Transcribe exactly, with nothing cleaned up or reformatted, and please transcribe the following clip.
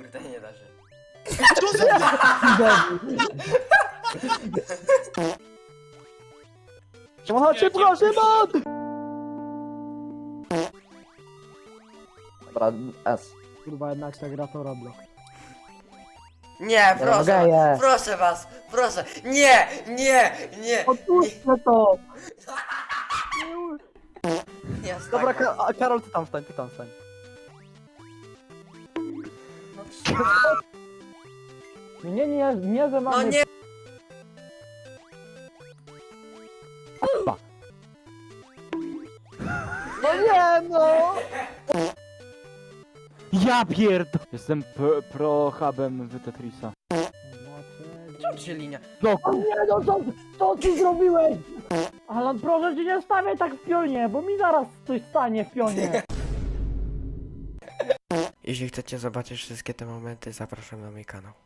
Kurde, nie da się. Co za... Szymon, szybko, Szymon! Dobra, S. Kurwa, jednak ta gra to Roblox. Nie, proszę, geje. proszę was, proszę. Nie, nie, nie. Odpuśćcie to! Nie, jest Dobra, tak. Ka a Karol, ty tam stań, ty tam stań. No, Nie, nie, nie, że no mamy... nie. No nie, no! Ja pierd... Jestem p- pro-hubem w Tetrisa. Czemu się linia? No O nie, no co, co ty zrobiłeś? Alan, proszę cię, nie stawiaj tak w pionie, bo mi zaraz coś stanie w pionie. Jeśli chcecie zobaczyć wszystkie te momenty, zapraszam na mój kanał.